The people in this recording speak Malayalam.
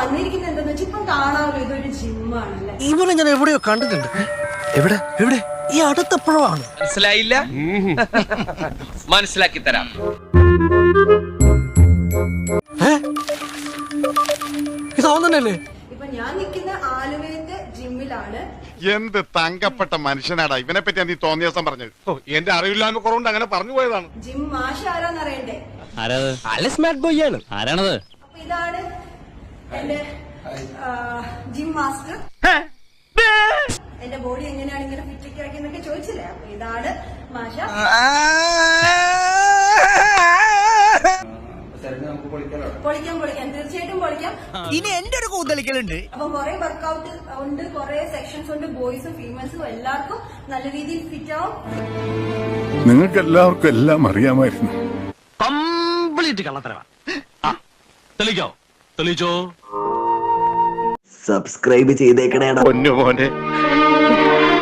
വന്നിരിക്കുന്നത് എന്താന്ന് വെച്ചാൽ ഇപ്പം കാണാമല്ലോ ഇതൊരു ജിമ്മാണല്ലേ. ഇവനെ ഞാൻ എവിടെയോ കണ്ടിട്ടുണ്ട്. എവിടെ എവിടെ? ഈ അടുത്തപ്പോഴാണ്. മനസ്സിലായില്ല? മനസ്സിലാക്കി തരാം. ഇതാവൻ തന്നെയല്ലേ? ഇപ്പൊ ഞാൻ നിൽക്കുന്ന ആലുവയിലെ ജിമ്മിലാണ്. എന്ത് തങ്കപ്പെട്ട മനുഷ്യനാടാ ഇവനെ പറ്റി നീ തോന്നിയ ദിവസം പറഞ്ഞത്. എന്റെ അറിവില്ലായ്മ കുറവുണ്ട് അങ്ങനെ പറഞ്ഞു പോയതാണ്. ജിം മാഷ് ആരാന്നറിയണ്ടേ? ആരാണത്? അപ്പൊ ഇതാണ് എന്റെ ജിം മാസ്റ്റർ. എന്റെ ബോഡി എങ്ങനെയാണ് ഇങ്ങനെ ഫിറ്റ് ആക്കി എന്നൊക്കെ ചോദിച്ചില്ലേ? അപ്പൊ ഇതാണ് മാഷ. പൊളിക്കാം തീർച്ചയായിട്ടും പൊളിക്കാം. ഇനി എന്റെ ഒരു കൂന്തലിക്കലുണ്ട്. അപ്പൊ കുറെ വർക്ക്ഔട്ട് ഉണ്ട്, കുറെ സെക്ഷൻസ് ഉണ്ട്, ബോയ്സും ഫീമെയിൽസും എല്ലാവർക്കും നല്ല രീതിയിൽ ഫിറ്റ് ആവും. നിങ്ങൾക്ക് എല്ലാവർക്കും എല്ലാം അറിയാമായിരുന്നു. കംപ്ലീറ്റ് കള്ളത്തരവാ. തെളിച്ചോ? സബ്സ്ക്രൈബ് ചെയ്തേക്കണേടാ പൊന്നു മോനെ.